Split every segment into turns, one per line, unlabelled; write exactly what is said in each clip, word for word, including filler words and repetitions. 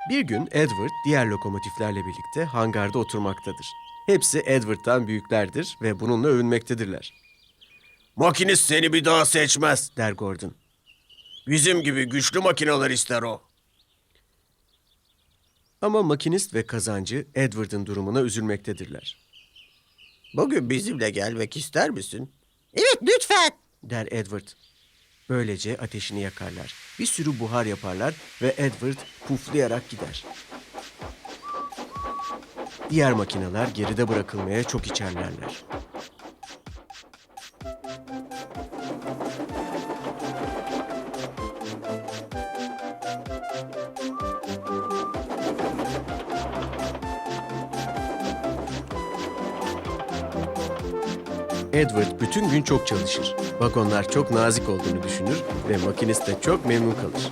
Bir gün Edward diğer lokomotiflerle birlikte hangarda oturmaktadır. Hepsi Edward'dan büyüklerdir ve bununla övünmektedirler.
Makinist seni bir daha seçmez.
Der Gordon.
Bizim gibi güçlü makineler ister o.
Ama makinist ve kazancı Edward'ın durumuna üzülmektedirler.
Bugün bizimle gelmek ister misin?
Evet, lütfen.
Der Edward. Böylece ateşini yakarlar. Bir sürü buhar yaparlar ve Edward puflayarak gider. Diğer makineler geride bırakılmaya çok içerlerler. Edward bütün gün çok çalışır. Vagonlar çok nazik olduğunu düşünür ve makinist de çok memnun kalır.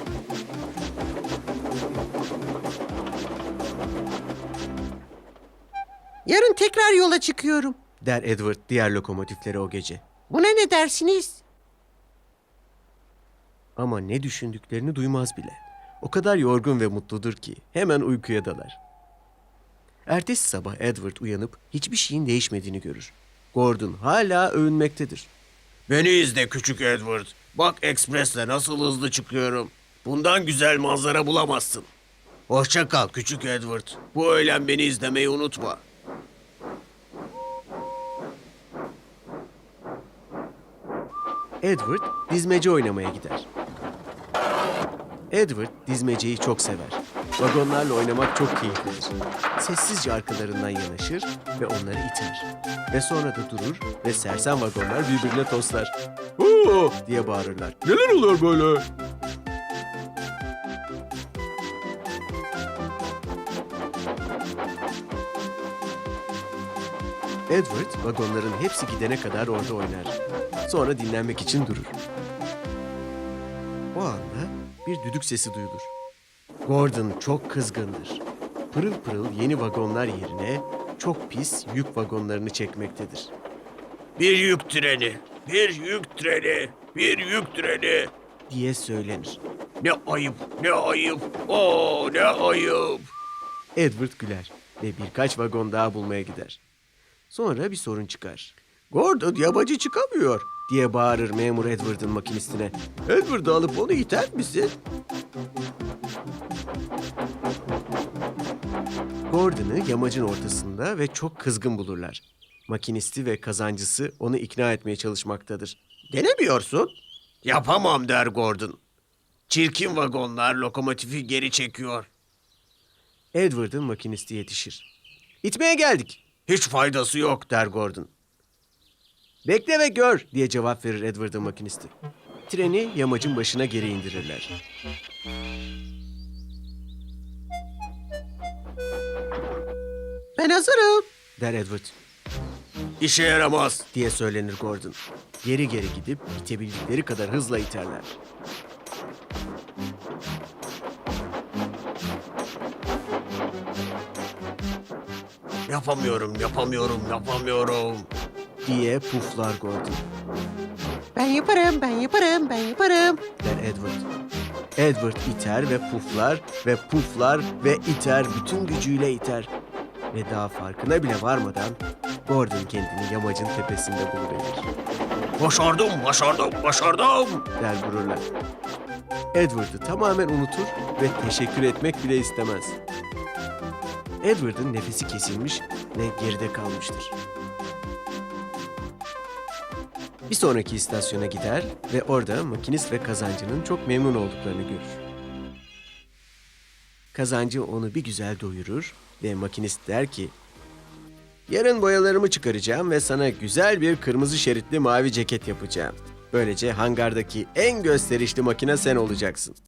Yarın tekrar yola çıkıyorum.
Der Edward diğer lokomotiflere o gece.
Buna ne dersiniz?
Ama ne düşündüklerini duymaz bile. O kadar yorgun ve mutludur ki hemen uykuya dalar. Ertesi sabah Edward uyanıp hiçbir şeyin değişmediğini görür. Gordon hala övünmektedir.
Beni izle küçük Edward. Bak ekspresle nasıl hızlı çıkıyorum. Bundan güzel manzara bulamazsın. Hoşça kal küçük Edward. Bu öğlen beni izlemeyi unutma.
Edward dizmece oynamaya gider. Edward dizmeceyi çok sever. Vagonlarla oynamak çok keyiflidir. Sessizce arkalarından yanaşır ve onları iter. Ve sonra da durur ve sersem vagonlar birbirine toslar. "Oo!" diye bağırırlar.
Neler oluyor böyle?
Edward vagonların hepsi gidene kadar orada oynar. Sonra dinlenmek için durur. O anda bir düdük sesi duyulur. Gordon çok kızgındır. Pırıl pırıl yeni vagonlar yerine çok pis yük vagonlarını çekmektedir.
Bir yük treni, bir yük treni, bir yük treni.
Diye söylenir.
Ne ayıp, ne ayıp, oo ne ayıp.
Edward güler ve birkaç vagon daha bulmaya gider. Sonra bir sorun çıkar. Gordon yamacı çıkamıyor diye bağırır memur Edward'ın makinistine. Edward'ı alıp onu iter misin? Gordon'ı yamacın ortasında ve çok kızgın bulurlar. Makinisti ve kazancısı onu ikna etmeye çalışmaktadır.
Denemiyorsun. Yapamam der Gordon. Çirkin vagonlar lokomotifi geri çekiyor.
Edward'ın makinisti yetişir. İtmeye geldik
Hiç faydası yok.
der Gordon. Bekle ve gör diye cevap verir Edward'ın makinisti. Treni yamacın başına geri indirirler.
Ben hazırım.
Der Edward
İşe yaramaz.
diye söylenir Gordon. Geri geri gidip itebildikleri kadar hızla iterler.
Yapamıyorum, yapamıyorum, yapamıyorum.
Diye puflar Gordon.
Ben yaparım, ben yaparım, ben yaparım.
Der Edward. Edward iter ve puflar ve puflar ve iter, bütün gücüyle iter. Ve daha farkına bile varmadan Gordon kendini yamacın tepesinde buluverir.
Başardım, başardım, başardım.
Der gururla. Edward'ı tamamen unutur ve teşekkür etmek bile istemez. Edward'ın nefesi kesilmiş ve geride kalmıştır. Bir sonraki istasyona gider ve orada makinist ve kazancının çok memnun olduklarını görür. Kazancı onu bir güzel doyurur ve makinist der ki, "Yarın boyalarımı çıkaracağım ve sana güzel bir kırmızı şeritli mavi ceket yapacağım. Böylece hangardaki en gösterişli makine sen olacaksın."